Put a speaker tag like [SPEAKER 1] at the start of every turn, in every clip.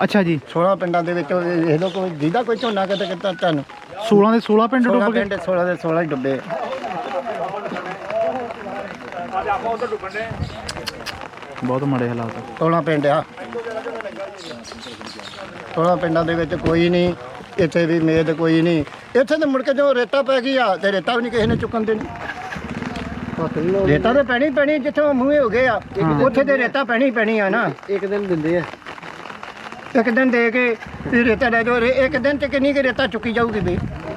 [SPEAKER 1] ਅੱਛਾ ਜੀ
[SPEAKER 2] 16 ਪਿੰਡਾਂ ਦੇ ਵਿੱਚ ਵੇਖ ਲਓ ਕੋਈ ਜਿਹਦਾ ਕੋਈ ਝੋਨਾ ਕਿਤੇ ਕਿਤਾ ਤੁਹਾਨੂੰ
[SPEAKER 1] 16 ਦੇ 16 ਪਿੰਡ ਡੁੱਬ ਗਏ।
[SPEAKER 2] 16 ਦੇ 16 ਹੀ ਡੁੱਬੇ।
[SPEAKER 1] ਬਹੁਤ ਮਾੜੇ ਹਾਲਾਤ।
[SPEAKER 2] 16 ਪਿੰਡ ਆ, 16 ਪਿੰਡਾਂ ਦੇ ਵਿੱਚ ਕੋਈ ਨਹੀਂ, ਇੱਥੇ ਵੀ ਮੇਦ ਕੋਈ ਨਹੀਂ। ਇੱਥੇ ਤਾਂ ਮੁੜ ਕੇ ਜੋ ਰੇਤਾ ਪੈ ਗਈ ਆ ਤੇ ਰੇਤਾ ਵੀ ਨਹੀਂ ਕਿਸੇ ਨੇ ਚੁੱਕਣ ਦੇਣੀ। ਰੇਤਾ ਤਾਂ ਪੈਣੀ ਜਿੱਥੋਂ ਮੂਹੇ ਹੋ ਗਏ ਆ ਉੱਥੇ ਤੇ ਰੇਤਾ ਪੈਣੀ ਆ ਨਾ।
[SPEAKER 3] ਇੱਕ ਦਿਨ ਦਿੰਦੇ ਆ,
[SPEAKER 2] ਇੱਕ ਦਿਨ ਦੇ ਕੇ ਵੀ ਰੇਤਾ ਲੈ ਜਾਓ। ਇੱਕ ਦਿਨ ਤੇ ਕਿੰਨੀ ਕੁ ਰੇਤਾ ਚੁੱਕੀ ਜਾਊਗੀ ਵੀ।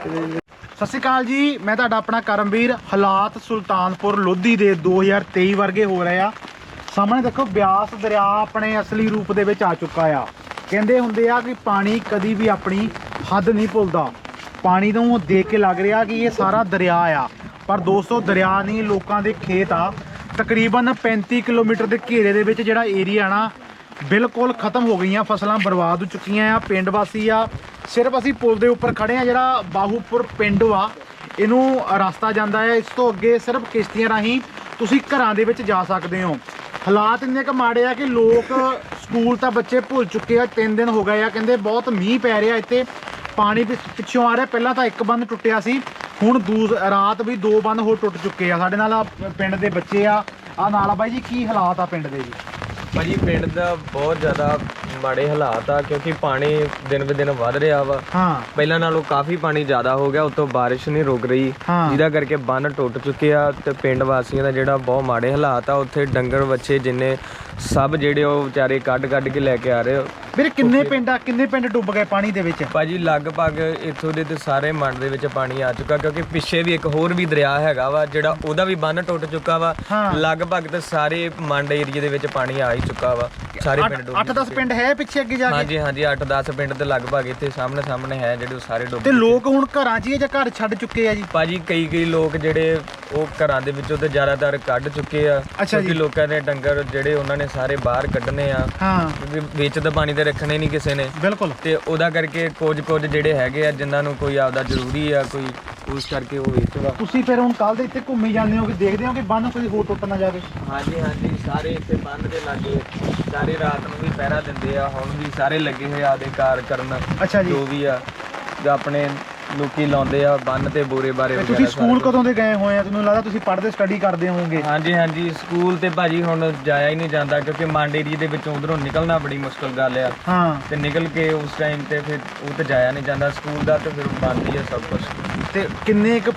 [SPEAKER 1] ਸਤਿ ਸ਼੍ਰੀ ਅਕਾਲ ਜੀ, ਮੈਂ ਤੁਹਾਡਾ ਆਪਣਾ ਕਰਮਵੀਰ। ਹਾਲਾਤ ਸੁਲਤਾਨਪੁਰ ਲੋਧੀ ਦੇ 2023 ਵਰਗੇ ਹੋ ਰਹੇ ਆ। ਸਾਹਮਣੇ ਦੇਖੋ ਬਿਆਸ ਦਰਿਆ ਆਪਣੇ ਅਸਲੀ ਰੂਪ ਦੇ ਵਿੱਚ ਆ ਚੁੱਕਾ ਆ। ਕਹਿੰਦੇ ਹੁੰਦੇ ਆ ਕਿ ਪਾਣੀ ਕਦੀ ਵੀ ਆਪਣੀ ਹੱਦ ਨਹੀਂ ਭੁੱਲਦਾ। ਪਾਣੀ ਨੂੰ ਦੇਖ ਕੇ ਲੱਗ ਰਿਹਾ ਕਿ ਇਹ ਸਾਰਾ ਦਰਿਆ ਆ, ਪਰ ਦੋਸਤੋ ਦਰਿਆ ਨਹੀਂ, ਲੋਕਾਂ ਦੇ ਖੇਤ ਆ। ਤਕਰੀਬਨ 35 ਕਿਲੋਮੀਟਰ ਦੇ ਘੇਰੇ ਦੇ ਵਿੱਚ ਜਿਹੜਾ ਏਰੀਆ ਨਾ ਬਿਲਕੁਲ ਖਤਮ ਹੋ ਗਈਆਂ, ਫਸਲਾਂ ਬਰਬਾਦ ਹੋ ਚੁੱਕੀਆਂ ਆ। ਪਿੰਡ ਵਾਸੀ ਆ, ਸਿਰਫ ਅਸੀਂ ਪੁਲ ਦੇ ਉੱਪਰ ਖੜੇ ਆ। ਜਿਹੜਾ ਬਾਹੂਪੁਰ ਪਿੰਡ ਵਾ ਇਹਨੂੰ ਰਸਤਾ ਜਾਂਦਾ ਹੈ, ਇਸ ਤੋਂ ਅੱਗੇ ਸਿਰਫ ਕਿਸ਼ਤੀਆਂ ਰਾਹੀਂ ਤੁਸੀਂ ਘਰਾਂ ਦੇ ਵਿੱਚ ਜਾ ਸਕਦੇ ਹੋ। ਹਾਲਾਤ ਇੰਨੇ ਕੁ ਮਾੜੇ ਆ ਕਿ ਲੋਕ ਸਕੂਲ ਤਾਂ ਬੱਚੇ ਭੁੱਲ ਚੁੱਕੇ ਆ। 3 ਦਿਨ ਹੋ ਗਏ ਆ, ਕਹਿੰਦੇ ਬਹੁਤ ਮੀਂਹ ਪੈ ਰਿਹਾ ਇੱਥੇ, ਪਾਣੀ ਪਿੱਛੋਂ ਆ ਰਿਹਾ। ਪਹਿਲਾਂ ਤਾਂ ਇੱਕ ਬੰਨ ਟੁੱਟਿਆ ਸੀ, ਹੁਣ ਰਾਤ ਵੀ 2 ਬੰਨ ਹੋਰ ਟੁੱਟ ਚੁੱਕੇ ਆ। ਸਾਡੇ ਨਾਲ ਪਿੰਡ ਦੇ ਬੱਚੇ ਆ ਨਾਲ ਆ। ਬਾਈ ਜੀ ਕੀ ਹਾਲਾਤ ਆ ਪਿੰਡ ਦੇ ਜੀ?
[SPEAKER 4] ਭਾਜੀ ਪਿੰਡ ਦਾ ਬਹੁਤ ਜ਼ਿਆਦਾ ਮਾੜੇ ਹਾਲਾਤ ਆ, ਕਿਉਂਕਿ ਪਾਣੀ ਦਿਨ ਬ ਦਿਨ ਵੱਧ ਰਿਹਾ ਵਾ। ਪਹਿਲਾਂ ਨਾਲੋਂ ਕਾਫੀ ਪਾਣੀ ਜ਼ਿਆਦਾ ਹੋ ਗਿਆ, ਉਤੋਂ ਬਾਰਿਸ਼ ਨਹੀਂ ਰੁਕ ਰਹੀ, ਜਿਹਦਾ ਕਰਕੇ ਬੰਨ ਟੁੱਟ ਚੁੱਕੇ ਆ। ਤੇ ਪਿੰਡ ਵਾਸੀਆਂ ਦਾ ਜਿਹੜਾ ਬਹੁਤ ਮਾੜੇ ਹਾਲਾਤ ਆ। ਉੱਥੇ ਡੰਗਰ ਬੱਚੇ ਜਿੰਨੇ ਸਭ ਜਿਹੜੇ ਉਹ ਵਿਚਾਰੇ ਕੱਢ ਕੇ ਲੈ ਕੇ ਆ ਰਹੇ।
[SPEAKER 1] ਵੀਰੇ ਕਿੰਨੇ ਪਿੰਡ ਡੁੱਬ ਗਏ ਪਾਣੀ ਦੇ ਵਿੱਚ?
[SPEAKER 4] ਭਾਜੀ ਲਗਭਗ ਇੱਥੋਂ ਦੇ ਤੇ ਸਾਰੇ ਮੰਡ ਦੇ ਵਿੱਚ ਪਾਣੀ ਆ ਚੁੱਕਾ, ਕਿਉਂਕਿ ਪਿੱਛੇ ਵੀ ਇੱਕ ਹੋਰ ਵੀ ਦਰਿਆ ਹੈਗਾ ਵਾ ਜਿਹੜਾ ਉਹਦਾ ਵੀ ਬੰਨ ਟੁੱਟ ਚੁੱਕਾ ਵਾ। ਲਗਭਗ ਤੇ ਸਾਰੇ ਮੰਡ ਏਰੀਏ ਦੇ ਵਿੱਚ ਪਾਣੀ ਆ ਹੀ ਚੁੱਕਾ ਵਾ। ਸਾਰੇ ਪਿੰਡ
[SPEAKER 1] 8-10 ਪਿੰਡ ਹੈ ਪਿੱਛੇ ਅੱਗੇ ਜਾ ਕੇ?
[SPEAKER 4] ਹਾਂਜੀ 8-10 ਪਿੰਡ ਤੇ ਲਗਭਗ ਇੱਥੇ ਸਾਹਮਣੇ ਹੈ ਜਿਹੜੇ ਸਾਰੇ ਡੁੱਬ।
[SPEAKER 1] ਤੇ ਲੋਕ ਹੁਣ ਘਰਾਂ 'ਚ ਹੀ ਜਾਂ ਘਰ ਛੱਡ ਚੁੱਕੇ ਆ ਜੀ?
[SPEAKER 4] ਭਾਜੀ ਕਈ ਲੋਕ ਜਿਹੜੇ ਉਹ ਘਰਾਂ ਦੇ ਵਿੱਚੋਂ ਤੇ ਜ਼ਿਆਦਾਤਰ ਕੱਢ ਚੁੱਕੇ ਆ, ਕਿਉਂਕਿ ਲੋਕਾਂ ਦੇ ਡੰਗਰ ਜਿਹੜੇ ਉਹਨਾਂ ਨੇ ਸਾਰੇ ਬਾਹਰ ਕੱਢਣੇ ਆ, ਕਿਉਂਕਿ ਵਿੱਚ ਤਾਂ ਪਾਣੀ ਤੇ ਰੱਖਣੇ ਨਹੀਂ ਕਿਸੇ ਨੇ।
[SPEAKER 1] ਬਿਲਕੁਲ।
[SPEAKER 4] ਤੇ ਉਹਦਾ ਕਰਕੇ ਕੁਝ ਜਿਹੜੇ ਹੈਗੇ ਆ ਜਿਨ੍ਹਾਂ ਨੂੰ ਕੋਈ ਆਪਦਾ ਜ਼ਰੂਰੀ ਆ, ਕੋਈ ਉਸ ਕਰਕੇ ਉਹ ਵੇਚਦਾ।
[SPEAKER 1] ਤੁਸੀਂ ਫਿਰ ਹੁਣ ਕੱਲ ਦੇ ਇੱਥੇ ਘੁੰਮੀ ਜਾਂਦੇ ਹੋ ਕਿ ਦੇਖਦੇ ਹੋ ਕਿ ਬੰਨ ਕੋਈ ਹੋਰ ਟੁੱਟ ਨਾ ਜਾਵੇ?
[SPEAKER 4] ਹਾਂਜੀ ਸਾਰੇ ਇੱਥੇ ਬੰਨ ਦੇ ਲਾਗੇ ਸਾਰੇ ਰਾਤ ਨੂੰ ਵੀ ਪਹਿਰਾ ਦਿੰਦੇ ਆ। ਹੁਣ ਵੀ ਸਾਰੇ ਲੱਗੇ ਹੋਏ ਆਦੇ ਕਾਰ ਕਰਨ।
[SPEAKER 1] ਅੱਛਾ ਜੀ।
[SPEAKER 4] ਜੋ ਵੀ ਆ ਆਪਣੇ ਲੋਕੀ ਲਾਉਂਦੇ ਆ ਬੰਨ ਤੇ ਬੋਰੇ ਬਾਰੇ।
[SPEAKER 1] ਤੁਸੀਂ ਸਕੂਲ ਕਦੋਂ ਦੇ ਗਏ ਹੋਏ ਆ? ਤੁਹਾਨੂੰ ਲੱਗਦਾ ਤੁਸੀਂ ਪੜ੍ਹਦੇ ਸਟੱਡੀ ਕਰਦੇ ਹੋਵੋਗੇ?
[SPEAKER 4] ਹਾਂਜੀ ਸਕੂਲ ਤੇ ਭਾਜੀ ਹੁਣ ਜਾਇਆ ਹੀ ਨਹੀਂ ਜਾਂਦਾ, ਕਿਉਂਕਿ ਮੰਡ ਏਰੀਏ ਦੇ ਵਿੱਚੋਂ ਉਧਰੋਂ ਨਿਕਲਣਾ ਬੜੀ ਮੁਸ਼ਕਲ ਗੱਲ ਆ। ਤੇ ਨਿਕਲ ਕੇ ਉਸ ਟਾਈਮ ਤੇ ਫਿਰ ਉਹ ਤੇ ਜਾਇਆ ਨਹੀਂ ਜਾਂਦਾ ਸਕੂਲ ਦਾ, ਤੇ ਫਿਰ ਬੰਦ ਹੀ ਆ ਸਭ ਕੁਝ।
[SPEAKER 1] ਤੇ ਕਿੰਨੇ ਕੁ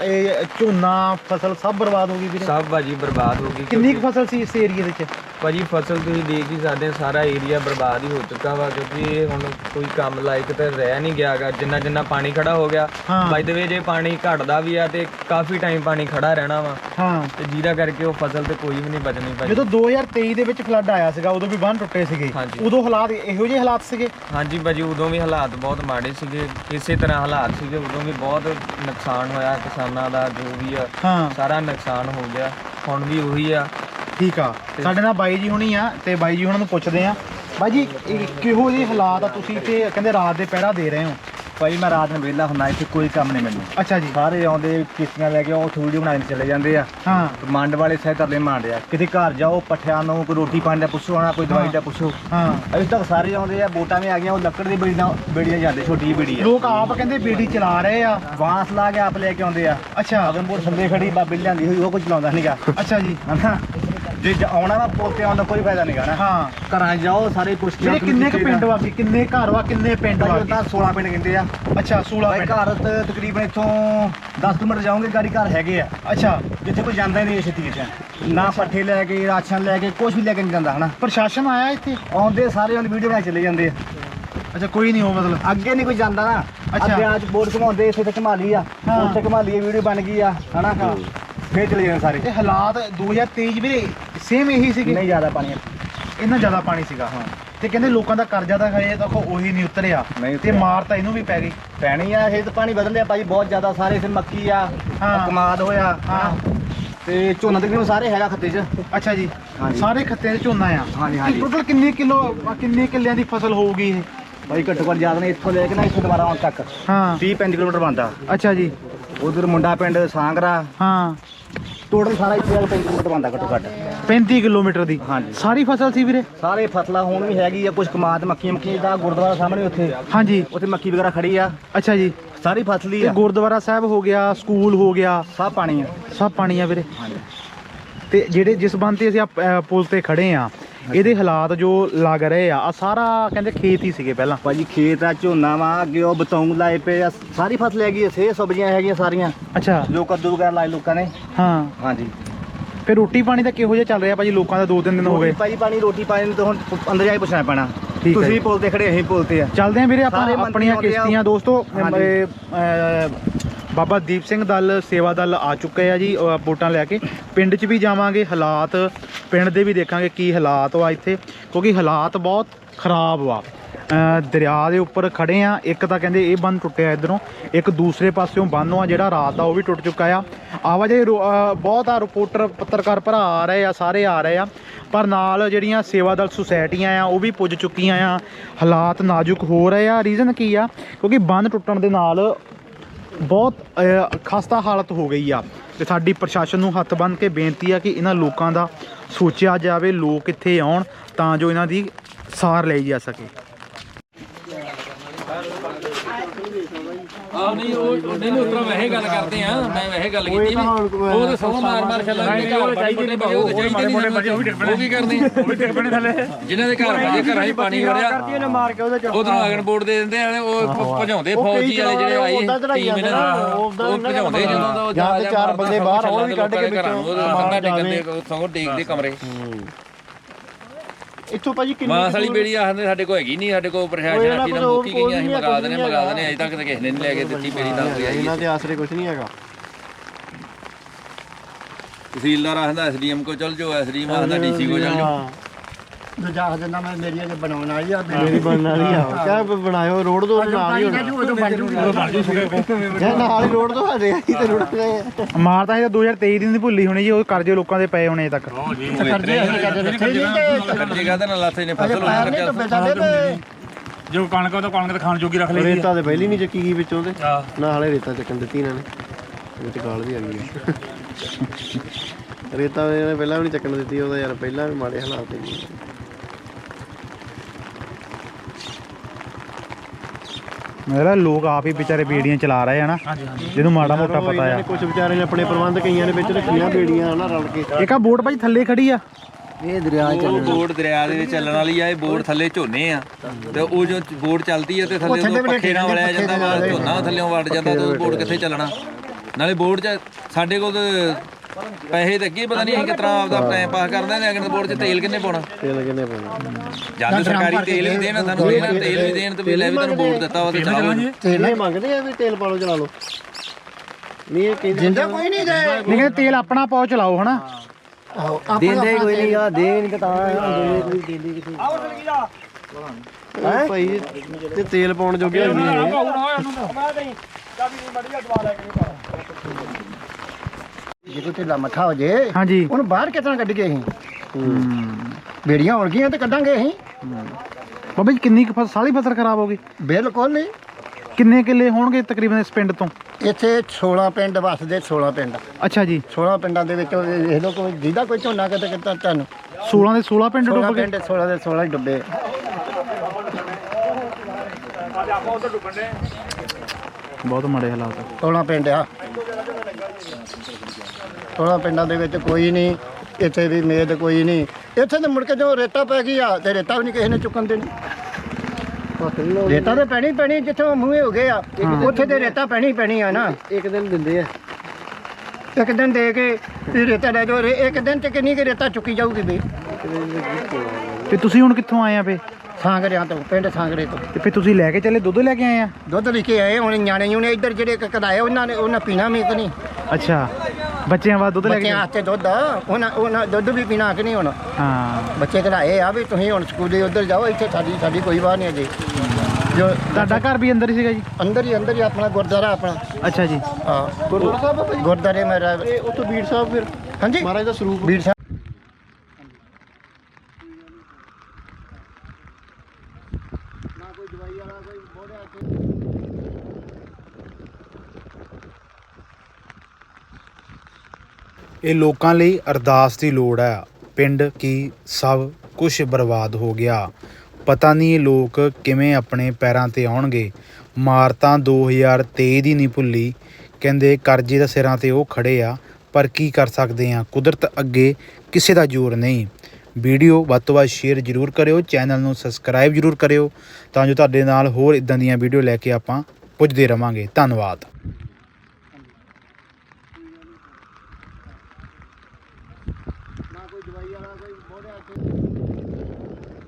[SPEAKER 1] ਝੋਨਾ ਫਸਲ ਸਭ ਬਰਬਾਦ ਹੋ ਗਈ ਵੀਰੇ?
[SPEAKER 4] ਸਭ ਭਾਜੀ ਬਰਬਾਦ ਹੋ ਗਈ।
[SPEAKER 1] ਕਿੰਨੀ ਕੁ ਫਸਲ ਸੀ ਇਸ ਏਰੀਏ ਦੇ ਵਿੱਚ?
[SPEAKER 4] ਭਾਜੀ ਫਸਲ ਤੁਸੀਂ ਦੇਖ ਹੀ ਸਕਦੇ, ਸਾਰਾ ਏਰੀਆ ਬਰਬਾਦ ਹੀ ਹੋ ਚੁੱਕਾ ਵਾ, ਕਿਉਂਕਿ ਇਹ ਹੁਣ ਕੋਈ ਕੰਮ ਲਾਇਕ ਤਾਂ ਰਹਿ ਨਹੀਂ ਗਿਆ ਗਾ। ਜਿੰਨਾ ਪਾਣੀ ਖੜਾ ਹੋ ਗਿਆ, ਬਾਈ ਦ ਵੇ ਜੇ ਪਾਣੀ ਘਟਦਾ ਵੀ ਆ ਤੇ ਕਾਫੀ ਟਾਈਮ ਪਾਣੀ ਖੜਾ ਰਹਿਣਾ ਵਾ। ਤੇ ਜਿਹਦਾ ਕਰਕੇ ਉਹ ਫਸਲ ਤੇ ਕੋਈ ਵੀ ਨਹੀਂ ਬਚਣੀ ਭਾਜੀ।
[SPEAKER 1] ਜਦੋਂ 2023 ਦੇ ਵਿੱਚ ਫਲੱਡ ਆਇਆ ਸੀਗਾ ਉਦੋਂ ਵੀ ਬੰਨ ਟੁੱਟੇ ਸੀਗੇ, ਉਦੋਂ ਹਾਲਾਤ ਇਹੋ ਜਿਹੇ ਹਾਲਾਤ ਸੀਗੇ?
[SPEAKER 4] ਹਾਂਜੀ ਭਾਜੀ ਉਦੋਂ ਵੀ ਹਾਲਾਤ ਬਹੁਤ ਮਾੜੇ ਸੀਗੇ, ਇਸੇ ਤਰ੍ਹਾਂ ਹਾਲਾਤ ਸੀਗੇ। ਉਦੋਂ ਵੀ ਬਹੁਤ ਨੁਕਸਾਨ ਹੋਇਆ ਕਿਸਾਨਾਂ ਦਾ, ਜੋ ਵੀ ਆ ਸਾਰਾ ਨੁਕਸਾਨ ਹੋ ਗਿਆ। ਹੁਣ ਵੀ ਉਹੀ ਆ।
[SPEAKER 1] ਠੀਕ ਆ। ਸਾਡੇ ਨਾਲ ਬਾਈ ਜੀ ਹੁਣੀ ਆ, ਤੇ ਬਾਈ ਜੀ ਹੁਣਾਂ ਨੂੰ ਪੁੱਛਦੇ ਆ। ਬਾਈ ਜੀ ਕਿਹੋ ਜਿਹੇ ਹਾਲਾਤ ਆ? ਤੁਸੀਂ ਇੱਥੇ ਕਹਿੰਦੇ ਰਾਤ ਦੇ ਪਹਿਰਾ ਦੇ ਰਹੇ ਹੋ?
[SPEAKER 3] ਭਾਈ ਮੈਂ ਰਾਤ ਨੂੰ ਵਿਹਲਾ ਹੁੰਦਾ, ਇੱਥੇ ਕੋਈ ਕੰਮ ਨਹੀਂ ਮੈਨੂੰ।
[SPEAKER 1] ਅੱਛਾ ਜੀ। ਸਾਰੇ
[SPEAKER 3] ਆਉਂਦੇ ਕਿਸ਼ਤੀਆਂ ਲੈ ਕੇ, ਉਹ ਵੀਡੀਓ ਬਣਾ ਕੇ ਚਲੇ ਜਾਂਦੇ ਆ। ਮੰਡ ਵਾਲੇ ਸਹਿ ਤਰਲੇ ਮਾਰਦੇ ਆ, ਕਿਤੇ ਘਰ ਜਾਓ ਪੱਠਿਆਂ ਨੂੰ ਕੋਈ ਰੋਟੀ ਪਾਣੀ ਦਾ ਪੁੱਛੋ, ਆਣਾ ਕੋਈ ਦਵਾਈ ਦਾ ਪੁੱਛੋ। ਅਜੇ ਤੱਕ ਸਾਰੇ ਆਉਂਦੇ ਆ, ਬੋਟਾਂ ਵੀ ਆ ਗਈਆਂ, ਉਹ ਲੱਕੜ ਦੀ ਬੇੜੀਆਂ ਜਾਂਦੇ, ਛੋਟੀ ਜਿਹੀ ਬੇੜੀ ਆ।
[SPEAKER 1] ਲੋਕ ਆਪ ਕਹਿੰਦੇ ਬੇੜੀ ਚਲਾ ਰਹੇ ਆ,
[SPEAKER 3] ਬਾਂਸ ਲਾ ਕੇ ਆਪ ਲੈ ਕੇ ਆਉਂਦੇ ਆ।
[SPEAKER 1] ਅੱਛਾ।
[SPEAKER 3] ਅਗਮਪੁਰ ਸੰਦੇ ਖੜੀ ਬਾਬੇ ਲਿਆਂਦੀ ਹੋਈ, ਉਹ ਕੋਈ ਚਲਾਉਂਦਾ ਨਹੀਂਗਾ।
[SPEAKER 1] ਅੱਛਾ ਜੀ।
[SPEAKER 3] ਹਨਾ ਜੇ ਆਉਣਾ ਵਾ ਪੁੱਲ ਤੇ ਆਉਣ ਦਾ ਕੋਈ ਫਾਇਦਾ ਨਹੀਂਗਾ ਨਾ। ਘਰਾਂ ਜਾਓ ਸਾਰੇ ਪੁੱਛ ਕੇ।
[SPEAKER 1] ਕਿੰਨੇ ਕੁ ਪਿੰਡ ਵਾ? ਕਿੰਨੇ ਘਰ ਵਾ? ਕਿੰਨੇ ਪਿੰਡ ਵਾ?
[SPEAKER 3] 16 ਪਿੰਡ ਕਹਿੰਦੇ ਆ।
[SPEAKER 1] ਅੱਛਾ 16 ਪਿੰਡ।
[SPEAKER 3] ਘਰ ਤਕਰੀਬਨ ਇੱਥੋਂ 10 ਕਿਲੋਮੀਟਰ ਜਾਓਗੇ ਗਾੜੀ ਘਰ ਹੈਗੇ ਆ।
[SPEAKER 1] ਅੱਛਾ।
[SPEAKER 3] ਜਿੱਥੇ ਕੋਈ ਜਾਂਦਾ ਹੀ ਨਹੀਂ ਛੇਤੀ ਕਿਤੇ, ਨਾ ਪੱਠੇ ਲੈ ਕੇ ਰਾਸ਼ਨ ਲੈ ਕੇ ਕੁਝ ਵੀ ਲੈ ਕੇ ਨਹੀਂ ਜਾਂਦਾ ਹਨਾ।
[SPEAKER 1] ਪ੍ਰਸ਼ਾਸਨ ਆਇਆ ਇੱਥੇ?
[SPEAKER 3] ਆਉਂਦੇ ਸਾਰੇ ਉਹਦੀ ਵੀਡੀਓ ਬਣਾ ਚਲੇ ਜਾਂਦੇ ਆ।
[SPEAKER 1] ਅੱਛਾ ਕੋਈ ਨਹੀਂ ਹੋ ਮਤਲਬ ਅੱਗੇ
[SPEAKER 3] ਨਹੀਂ ਕੋਈ ਜਾਂਦਾ ਨਾ। ਅੱਗੇ ਅੱਜ ਬੋਰਡ ਘਮਾਉਂਦੇ, ਇੱਥੇ ਤੇ ਘਮਾ ਲਈ ਆ, ਉੱਥੇ ਘਮਾ ਲਈ, ਵੀਡੀਓ ਬਣ ਗਈ ਆ ਹਨਾ, ਫੇਰ ਚਲੇ ਜਾਂਦੇ ਸਾਰੇ।
[SPEAKER 1] ਇਹ ਹਾਲਾਤ 2023 ਵੀਰੇ ਸੇਮ ਇਹੀ ਸੀਗੇ?
[SPEAKER 3] ਨਹੀਂ ਜ਼ਿਆਦਾ ਪਾਣੀ,
[SPEAKER 1] ਇੰਨਾ ਜ਼ਿਆਦਾ ਪਾਣੀ ਸੀਗਾ। ਤੇ ਕਹਿੰਦੇ ਲੋਕਾਂ ਦਾ ਕਰਜ਼ਾ ਤਾਂ ਹਜੇ ਤੱਕ ਉਹੀ ਨਹੀਂ ਉਤਰਿਆ, ਤੇ ਮਾਰ ਤਾਂ ਇਹਨੂੰ ਵੀ ਪੈ ਗਈ।
[SPEAKER 3] ਪੈਣੀ ਆ, ਇਹ ਤਾਂ ਪਾਣੀ ਬਦਲ ਲਿਆ ਭਾਜੀ ਬਹੁਤ ਜ਼ਿਆਦਾ। ਸਾਰੇ ਇੱਥੇ ਮੱਕੀ ਆ, ਕਮਾਦ ਹੋਇਆ, ਤੇ ਝੋਨਾ ਤਕਰੀਬਨ ਸਾਰੇ ਹੈਗਾ ਖੱਤੇ 'ਚ।
[SPEAKER 1] ਅੱਛਾ ਜੀ। ਸਾਰੇ ਖੱਤੇ 'ਚ ਝੋਨਾ ਆ?
[SPEAKER 3] ਹਾਂਜੀ।
[SPEAKER 1] ਟੋਟਲ ਕਿੰਨੇ ਕਿੱਲਿਆਂ ਦੀ ਫਸਲ ਹੋਊਗੀ ਇਹ?
[SPEAKER 3] ਭਾਈ ਘੱਟੋ ਘੱਟ ਜ਼ਿਆਦਾ ਨਹੀਂ, ਇੱਥੋਂ ਲੈ ਕੇ ਨਾ ਇੱਥੋਂ ਦੁਬਾਰਾ ਆਉਣ ਤੱਕ 30-35 ਕਿਲੋਮੀਟਰ ਬਣਦਾ।
[SPEAKER 1] ਅੱਛਾ ਜੀ।
[SPEAKER 3] ਉਧਰ ਮੁੰਡਾ ਪਿੰਡ ਸਾਂਗਰਾ, ਟੋਟਲ ਸਾਰਾ ਇੱਥੇ 35 ਕਿਲੋਮੀਟਰ ਬਣਦਾ ਘੱਟੋ ਘੱਟ।
[SPEAKER 1] 35 ਕਿਲੋਮੀਟਰ ਦੀ
[SPEAKER 3] ਹਾਂਜੀ।
[SPEAKER 1] ਸਾਰੀ ਫਸਲ ਸੀ ਵੀਰੇ?
[SPEAKER 3] ਸਾਰੇ ਫਸਲਾਂ ਹੁਣ ਵੀ ਹੈਗੀ ਆ, ਕੁਝ ਕਮਾਦ ਮੱਖੀਆਂ ਦਾ ਗੁਰਦੁਆਰਾ ਸਾਹਮਣੇ ਉੱਥੇ
[SPEAKER 1] ਹਾਂਜੀ।
[SPEAKER 3] ਉੱਥੇ ਮੱਕੀ ਵਗੈਰਾ ਖੜੀ ਆ,
[SPEAKER 1] ਅੱਛਾ ਜੀ।
[SPEAKER 3] ਸਾਰੀ ਫਸਲੀ
[SPEAKER 1] ਇਹ
[SPEAKER 3] ਆ,
[SPEAKER 1] ਗੁਰਦੁਆਰਾ ਸਾਹਿਬ ਹੋ ਗਿਆ, ਸਕੂਲ ਹੋ ਗਿਆ,
[SPEAKER 3] ਸਭ ਪਾਣੀ ਆ।
[SPEAKER 1] ਸਭ ਪਾਣੀ ਆ ਵੀਰੇ। ਤੇ ਜਿਹੜੇ ਜਿਸ ਬੰਦ ਤੇ ਅਸੀਂ ਪੁਲ ਤੇ ਖੜੇ ਆ, ਇਹਦੇ ਹਾਲਾਤ ਜੋ ਲੱਗ ਰਹੇ ਆ ਸਾਰਾ ਕਹਿੰਦੇ ਖੇਤ ਹੀ ਸੀਗੇ ਪਹਿਲਾਂ।
[SPEAKER 3] ਭਾਜੀ ਖੇਤ ਆ, ਝੋਨਾ ਵਾ, ਅੱਗੇ ਉਹ ਬਤੌਂਗ ਲਾਏ ਪਏ ਆ, ਸਾਰੀ ਫਸਲ ਹੈਗੀ, ਸੇ ਸਬਜ਼ੀਆਂ ਹੈਗੀਆਂ ਸਾਰੀਆਂ।
[SPEAKER 1] ਅੱਛਾ।
[SPEAKER 3] ਜੋ ਕੱਦੂ ਵਗੈਰਾ ਲਾਏ ਲੋਕਾਂ ਨੇ।
[SPEAKER 1] ਹਾਂ।
[SPEAKER 3] ਹਾਂਜੀ।
[SPEAKER 1] ਫਿਰ ਰੋਟੀ ਪਾਣੀ ਦਾ ਕਿਹੋ ਜਿਹਾ ਚੱਲ ਰਿਹਾ ਭਾਜੀ ਲੋਕਾਂ ਦਾ? 2-3 ਦਿਨ ਹੋ ਗਏ।
[SPEAKER 3] ਭਾਜੀ ਪਾਣੀ ਰੋਟੀ ਪਾਣੀ ਨੂੰ ਤਾਂ ਹੁਣ ਅੰਦਰ ਜਾ ਕੇ ਪੁੱਛਣਾ ਪੈਣਾ।
[SPEAKER 1] ਠੀਕ ਹੈ
[SPEAKER 3] ਤੁਸੀਂ
[SPEAKER 1] ਜੀ।
[SPEAKER 3] ਪੁਲ ਤੇ ਖੜੇ, ਅਸੀਂ ਪੁਲ ਤੇ ਆ।
[SPEAKER 1] ਚੱਲਦੇ ਆ ਵੀਰੇ ਆਪਾਂ
[SPEAKER 3] ਸਾਰੇ ਮੰਤਰੀ
[SPEAKER 1] ਆਪਣੀਆਂ
[SPEAKER 3] ਆਉਂਦੇ ਆ।
[SPEAKER 1] ਕਿਸ਼ਤੀਆਂ ਦੋਸਤੋ।
[SPEAKER 3] ਹਾਂਜੀ।
[SPEAKER 1] ਬਾਬਾ ਦੀਪ ਸਿੰਘ ਦਲ ਸੇਵਾ ਦਲ ਆ ਚੁੱਕੇ ਆ ਜੀ ਵੋਟਾਂ ਲੈ ਕੇ। ਪਿੰਡ 'ਚ ਵੀ ਜਾਵਾਂਗੇ, ਹਾਲਾਤ ਪਿੰਡ ਦੇ ਵੀ ਦੇਖਾਂਗੇ ਕੀ ਹਾਲਾਤ ਵਾ ਇੱਥੇ, ਕਿਉਂਕਿ ਹਾਲਾਤ ਬਹੁਤ ਖਰਾਬ ਵਾ। ਦਰਿਆ ਦੇ ਉੱਪਰ ਖੜੇ ਆ। ਇੱਕ ਤਾਂ ਕਹਿੰਦੇ ਇਹ ਬੰਨ ਟੁੱਟਿਆ ਇੱਧਰੋਂ, ਇੱਕ ਦੂਸਰੇ ਪਾਸਿਓਂ ਬੰਨ ਆ ਜਿਹੜਾ ਰਾਤ ਦਾ ਉਹ ਵੀ ਟੁੱਟ ਚੁੱਕਾ ਆ। ਆਵਾਜਾਈ ਬਹੁਤ ਆ, ਰਿਪੋਰਟਰ ਪੱਤਰਕਾਰ ਭਰਾ ਆ ਰਹੇ ਆ, ਸਾਰੇ ਆ ਰਹੇ ਆ, ਪਰ ਨਾਲ ਜਿਹੜੀਆਂ ਸੇਵਾ ਦਲ ਸੁਸਾਇਟੀਆਂ ਆ ਉਹ ਵੀ ਪੁੱਜ ਚੁੱਕੀਆਂ ਆ। ਹਾਲਾਤ ਨਾਜ਼ੁਕ ਹੋ ਰਹੇ ਆ। ਰੀਜ਼ਨ ਕੀ ਆ? ਕਿਉਂਕਿ ਬੰਨ ਟੁੱਟਣ ਦੇ ਨਾਲ ਬਹੁਤ ਖਸਤਾ ਹਾਲਤ ਹੋ ਗਈ ਆ। ਤੇ ਸਾਡੀ ਪ੍ਰਸ਼ਾਸਨ ਨੂੰ ਹੱਥ ਬੰਨ੍ਹ ਕੇ ਬੇਨਤੀ ਆ ਕਿ ਇਹਨਾਂ ਲੋਕਾਂ ਦਾ ਸੋਚਿਆ ਜਾਵੇ, ਲੋਕ ਇੱਥੇ ਆਉਣ ਤਾਂ ਜੋ ਇਹਨਾਂ ਦੀ ਸਾਰ ਲਈ ਜਾ ਸਕੇ।
[SPEAKER 5] ਨਹੀਂ ਉਹ ਨਹੀਂ ਉਤਰਾ ਵੈਸੇ ਗੱਲ ਕਰਦੇ ਆ, ਮੈਂ ਵੈਸੇ ਗੱਲ ਕੀਤੀ ਵੀ ਉਹ ਤਾਂ ਸੌ ਮਾਰ ਚੱਲਾਂਗੇ। ਘਰ ਚਾਹੀਦੇ ਨੇ ਉਹ ਕੀ ਕਰਨੇ, ਉਹ ਵੀ ਟਿਕ ਪੈਣੇ ਥੱਲੇ। ਜਿਨ੍ਹਾਂ ਦੇ ਘਰ ਵਜੇ ਘਰਾਂ 'ਚ ਪਾਣੀ ਵੜਿਆ ਉਧਰੋਂ ਆਗਣ ਬੋਰਡ ਦੇ ਦਿੰਦੇ ਆ, ਉਹ ਭਜਾਉਂਦੇ ਫੌਜੀ ਵਾਲੇ ਜਿਹੜੇ ਆਏ ਟੀਮ ਇਹਨਾਂ ਦੀ, ਉਹ ਭਜਾਉਂਦੇ ਜਦੋਂ ਦਾ ਉਹ
[SPEAKER 2] ਜਾਂ ਤੇ 4 ਬੰਦੇ ਬਾਹਰ ਹੋਰ ਵੀ ਕੱਢ ਕੇ ਵਿੱਚੋਂ
[SPEAKER 5] ਕੰਧਾ ਟਿਕਦੇ ਸੌ ਡੇਕਦੇ ਕਮਰੇ।
[SPEAKER 2] ਇੱਥੋਂ ਭਾਜੀ ਕਿੰਨੀ
[SPEAKER 5] ਮਾਸ ਵਾਲੀ ਬੇੜੀ ਆਖਦੇ ਸਾਡੇ ਕੋਲ ਹੈਗੀ ਨਹੀਂ, ਸਾਡੇ ਕੋਲ ਪ੍ਰਸ਼ਾਸਨ ਆਖੀ ਨਾ ਮੁੱਕੀ ਗਈਆਂ, ਅਸੀਂ ਮਗਾ ਦਨੇ ਅਜੇ ਤੱਕ ਤਾਂ ਕਿਸੇ ਨੇ ਨਹੀਂ ਲੈ ਕੇ ਦਿੱਤੀ ਬੇੜੀ ਨਾਲ ਕੋਈ ਆਈ।
[SPEAKER 2] ਇਹਨਾਂ ਦੇ ਆਸਰੇ ਕੁਝ ਨਹੀਂ ਹੈਗਾ।
[SPEAKER 5] ਤਹਿਸੀਲਦਾਰ ਆਖਦਾ ਐਸਡੀਐਮ ਕੋ ਚਲ ਜਾਓ, ਐਸਡੀਐਮ ਆਖਦਾ ਡੀਸੀ ਕੋ ਚਲ ਜਾਓ।
[SPEAKER 2] ਦੂਜਾ ਦਿੰਦਾ ਮੈਂ ਮੇਰੀ ਅਜੇ ਬਣਾਉਣ ਵਾਲੀ ਆ, ਮੇਰੀ ਬਣਨ ਵਾਲੀ ਆ। ਕਿਆ ਬਣਾਇਓ ਰੋਡ ਤੋਂ ਨਾਲ ਹੀ ਨਾਲ ਹੀ ਰੋਡ ਤੋਂ ਹਟੇ ਆਈ ਤੇ ਰੁੜ ਗਏ।
[SPEAKER 1] ਮਾਰ ਤਾਂ ਇਹ 2023 ਦੀ ਨਹੀਂ ਭੁੱਲੀ ਹੋਣੀ ਜੀ, ਉਹ ਕਰਜ਼ੇ ਲੋਕਾਂ ਦੇ ਪਏ ਹੋਣੇ ਅਜੇ ਤੱਕ।
[SPEAKER 5] ਕਰਜ਼ੇ ਕਾਹਦੇ ਨਾਲ ਲਾਥੇ ਨੇ ਫਸਲ
[SPEAKER 6] ਜੋ ਕਣਕ ਉਹ ਤਾਂ ਕਣਕ ਤੇ ਖਾਣ ਜੋਗੀ ਰੱਖ ਲਈ।
[SPEAKER 2] ਰੇਤਾ ਤੇ ਪਹਿਲੀ ਨਹੀਂ ਚੱਕੀ ਗਈ ਵਿੱਚੋਂ ਤੇ ਨਾ ਹਾਲੇ ਰੇਤਾ ਚੱਕਣ ਦਿੱਤੀ ਇਹਨਾਂ ਨੇ, ਵਿੱਚ ਗਾਲ ਵੀ ਆ ਗਈ। ਰੇਤਾ ਇਹਨੇ ਪਹਿਲਾਂ ਵੀ ਨਹੀਂ ਚੱਕਣ ਦਿੱਤੀ, ਉਹਦਾ ਯਾਰ ਪਹਿਲਾਂ ਵੀ ਮਾੜੇ ਹਾਲਾਤ ਸੀ।
[SPEAKER 1] ਮੇਰਾ ਲੋਕ ਆਪ ਹੀ ਵਿਚਾਰੇ ਬੇੜੀਆਂ ਚਲਾ ਰਹੇ ਆ ਨਾ, ਜਿਹਨੂੰ ਮਾੜਾ ਮੋਟਾ ਪਤਾ ਆ।
[SPEAKER 2] ਕੁਝ ਵਿਚਾਰੇ ਨੇ ਆਪਣੇ ਪ੍ਰਬੰਧ ਕਈਆਂ ਨੇ ਵਿੱਚ ਰੱਖੀਆਂ ਬੇੜੀਆਂ ਨਾ ਰਲ ਕੇ।
[SPEAKER 1] ਇੱਕ ਆ ਬੋਟ ਭਾਜੀ ਥੱਲੇ ਖੜੀ ਆ,
[SPEAKER 3] ਇਹ ਦਰਿਆ
[SPEAKER 5] ਉਹ ਬੋਟ ਦਰਿਆ ਦੇ ਵਿੱਚ ਚੱਲਣ ਵਾਲੀ ਆ, ਇਹ ਬੋਟ ਥੱਲੇ ਝੋਨੇ ਆ ਤੇ ਉਹ ਜੋ ਬੋਟ ਚੱਲਦੀ ਆ ਤੇ ਥੱਲੇ ਤੋਂ ਪੱਖੇ ਨਾਲ ਵੜਿਆ ਜਾਂਦਾ ਵਾ, ਝੋਨਾ ਥੱਲੇੋਂ ਵੜ ਜਾਂਦਾ ਤੇ ਉਹ ਬੋਟ ਕਿੱਥੇ ਚੱਲਣਾ। ਨਾਲੇ ਬੋਟ 'ਚ ਸਾਡੇ ਕੋਲ ਪੈਸੇ ਤੇ ਅੱਗੇ ਪਤਾ ਨਹੀਂ ਅਸੀਂ ਕਿਸ ਤਰ੍ਹਾਂ ਆਪਦਾ ਟਾਈਮ ਪਾਸ ਕਰਦੇ ਨੇ, ਅਗਰ ਬੋਟ 'ਚ ਤੇਲ ਕਿੰਨੇ ਪਾਉਣਾ?
[SPEAKER 2] ਤੇਲ ਕਿੰਨੇ ਪਾਉਣਾ?
[SPEAKER 5] ਜਦ ਸਰਕਾਰੀ ਤੇਲ ਵੀ ਦੇਣ ਸਾਨੂੰ, ਤੇਲ ਵੀ ਦੇਣ ਤੇ ਵੀ ਲੈ ਵੀ ਤੁਹਾਨੂੰ ਬੋਟ ਦਿੱਤਾ ਵਾ ਤੇ ਚਲਾਓ।
[SPEAKER 2] ਤੇਲ ਹੀ ਮੰਗਦੇ ਆ ਵੀ ਤੇਲ ਪਾ ਲਓ ਚਲਾ ਲਓ। ਨਹੀਂ ਇਹ ਕਹਿੰਦੇ ਜਿੰਦਾ ਕੋਈ ਨਹੀਂ ਦੇ,
[SPEAKER 1] ਨਹੀਂ ਕਹਿੰਦੇ ਤੇਲ ਆਪਣਾ ਪਾਓ ਚਲਾਓ ਹਨਾ।
[SPEAKER 3] ਦੇਂਦੇ ਕੋਈ ਨਹੀਂ ਆ, ਦੇਣ ਤਾਂ ਕੋਈ ਦੇਂਦੀ ਕਿਸੇ
[SPEAKER 2] ਹੈ ਭਾਈ ਤੇ ਤੇਲ ਪਾਉਣ ਜੋਗੇ ਹੁੰਦੀ ਹੈ। ਜੇ ਕੋਈ ਢਿੱਲਾ ਮੱਠਾ ਹੋ ਜੇ
[SPEAKER 1] ਹਾਂਜੀ।
[SPEAKER 2] ਉਹਨੂੰ ਬਾਹਰ ਕਿਤਨਾ ਕੱਢ ਗਏ ਅਸੀਂ? ਬੇੜੀਆਂ ਹੋਣ ਗਈਆਂ ਤੇ ਕੱਢਾਂਗੇ ਅਸੀਂ।
[SPEAKER 1] ਬਾਬਾ ਜੀ ਕਿੰਨੀ ਕੁ ਸਾਰੀ ਫਸਲ ਖਰਾਬ ਹੋ ਗਈ?
[SPEAKER 2] ਬਿਲਕੁਲ ਨਹੀਂ।
[SPEAKER 1] ਕਿੰਨੇ ਕਿੱਲੇ ਹੋਣਗੇ ਤਕਰੀਬਨ ਇਸ ਪਿੰਡ ਤੋਂ?
[SPEAKER 2] ਇੱਥੇ 16 ਪਿੰਡ ਵਸਦੇ, 16 ਪਿੰਡ।
[SPEAKER 1] ਅੱਛਾ ਜੀ।
[SPEAKER 2] 16 ਪਿੰਡਾਂ ਦੇ ਵਿੱਚ ਵੇਖ ਲਓ ਕੋਈ ਜਿਹਦਾ ਕੋਈ ਝੋਨਾ ਕਿਤੇ ਕਿਤਾ ਤੁਹਾਨੂੰ
[SPEAKER 1] 16 ਦੇ 16 ਪਿੰਡ
[SPEAKER 2] 16
[SPEAKER 1] ਡੁੱਬ ਗਏ।
[SPEAKER 2] ਪਿੰਡ 16 ਦੇ 16 ਹੀ ਡੁੱਬੇ।
[SPEAKER 1] ਬਹੁਤ ਮਾੜੇ ਹਾਲਾਤ।
[SPEAKER 2] 16 ਪਿੰਡ ਆ, 16 ਪਿੰਡਾਂ ਦੇ ਵਿੱਚ ਕੋਈ ਨਹੀਂ, ਇੱਥੇ ਵੀ ਮੇਦ ਕੋਈ ਨਹੀਂ। ਇੱਥੇ ਤੇ ਮੁੜ ਕੇ ਜੋ ਰੇਤਾ ਪੈ ਗਈ ਆ ਤੇ ਰੇਤਾ ਵੀ ਨਹੀਂ ਕਿਸੇ ਨੇ ਚੁੱਕਣ ਦੇਣੀ। ਰੇਤਾ ਤੇ ਪੈਣੀ ਜਿੱਥੋਂ ਮੂਹੇ ਹੋ ਗਏ ਆ, ਉੱਥੇ ਤੇ ਰੇਤਾ ਪੈਣੀ ਆ ਨਾ। ਇੱਕ ਦਿਨ ਦਿੰਦੇ ਆ, ਇੱਕ ਦਿਨ ਦੇ ਕੇ ਤੇ ਰੇਤਾ ਲੈ ਜਾਓ। ਇੱਕ ਦਿਨ ਤੇ ਕਿੰਨੀ ਕੁ ਰੇਤਾ ਚੁੱਕੀ ਜਾਊਗੀ ਬਈ?
[SPEAKER 1] ਤੇ ਤੁਸੀਂ ਹੁਣ ਕਿੱਥੋਂ ਆਏ ਆ ਫੇ?
[SPEAKER 2] ਸਾਂਗਰਿਆਂ ਤੋਂ, ਪਿੰਡ ਸਾਂਗਰੇ ਤੋਂ।
[SPEAKER 1] ਤੇ ਫੇ ਤੁਸੀਂ ਲੈ ਕੇ ਚੱਲੇ, ਦੁੱਧ ਲੈ ਕੇ ਆਏ ਆ?
[SPEAKER 2] ਦੁੱਧ ਲੈ ਕੇ ਆਏ। ਹੁਣ ਨਿਆਣੇ ਨੇ ਇੱਧਰ ਜਿਹੜੇ ਕਦਾਏ ਉਹਨਾਂ ਪੀਣਾ ਮੀਕ ਨਹੀਂ।
[SPEAKER 1] ਅੱਛਾ, ਬੱਚਿਆਂ ਵਾਸਤੇ ਦੁੱਧ ਲੈ ਕੇ?
[SPEAKER 2] ਬੱਚਿਆਂ ਵਾਸਤੇ ਦੁੱਧ ਉਹਨਾਂ ਦੁੱਧ ਵੀ ਪੀਣਾ ਕਿ ਨਹੀਂ ਹੁਣ?
[SPEAKER 1] ਹਾਂ।
[SPEAKER 2] ਬੱਚੇ ਕਢਾਏ ਆ ਵੀ ਤੁਸੀਂ ਹੁਣ ਸਕੂਲੇ ਉੱਧਰ ਜਾਓ, ਇੱਥੇ ਸਾਡੀ ਕੋਈ ਵਾਰ ਨਹੀਂ ਅਜੇ। ਜੋ
[SPEAKER 1] ਤੁਹਾਡਾ ਘਰ ਵੀ ਅੰਦਰ ਹੀ ਸੀਗਾ ਜੀ?
[SPEAKER 2] ਅੰਦਰ ਹੀ ਆਪਣਾ ਗੁਰਦੁਆਰਾ ਆਪਣਾ।
[SPEAKER 1] ਅੱਛਾ ਜੀ।
[SPEAKER 2] ਹਾਂ ਗੁਰਦੁਆਰਾ ਸਾਹਿਬ, ਗੁਰਦੁਆਰੇ ਮੇਰਾ ਉੱਥੋਂ ਬੀੜ ਸਾਹਿਬ। ਫਿਰ ਹਾਂਜੀ ਮਹਾਰਾਜ ਦਾ ਸਰੂਪ ਬੀੜ ਸਾਹਿਬ।
[SPEAKER 1] ਇਹ ਲੋਕਾਂ ਲਈ ਅਰਦਾਸ ਦੀ ਲੋੜ ਹੈ। ਪਿੰਡ ਕੀ ਸਭ ਕੁਝ ਬਰਬਾਦ ਹੋ ਗਿਆ। ਪਤਾ ਨਹੀਂ ਲੋਕ ਕਿਵੇਂ ਆਪਣੇ ਪੈਰਾਂ ਤੇ ਆਉਣਗੇ। ਮਾਰ ਤਾਂ 2023 ਦੀ ਨਹੀਂ ਭੁੱਲੀ। ਕਹਿੰਦੇ ਕਰਜ਼ੇ ਦਾ ਸਿਰਾਂ ਤੇ ਉਹ ਖੜੇ ਆ, ਪਰ ਕੀ ਕਰ ਸਕਦੇ ਆ, ਕੁਦਰਤ ਅੱਗੇ ਕਿਸੇ ਦਾ ਜ਼ੋਰ ਨਹੀਂ। ਵੀਡੀਓ ਵੱਧ ਤੋਂ ਵੱਧ ਸ਼ੇਅਰ ਜ਼ਰੂਰ ਕਰਿਓ, ਚੈਨਲ ਨੂੰ ਸਬਸਕ੍ਰਾਈਬ ਜ਼ਰੂਰ ਕਰਿਓ, ਤਾਂ ਜੋ ਤੁਹਾਡੇ ਨਾਲ ਹੋਰ ਇੱਦਾਂ ਦੀਆਂ ਵੀਡੀਓ ਲੈ ਕੇ ਆਪਾਂ ਪੁੱਜਦੇ ਰਵਾਂਗੇ। ਧੰਨਵਾਦ।
[SPEAKER 2] ਨਾ ਕੋਈ ਦਵਾਈ ਵਾਲਾ ਕੋਈ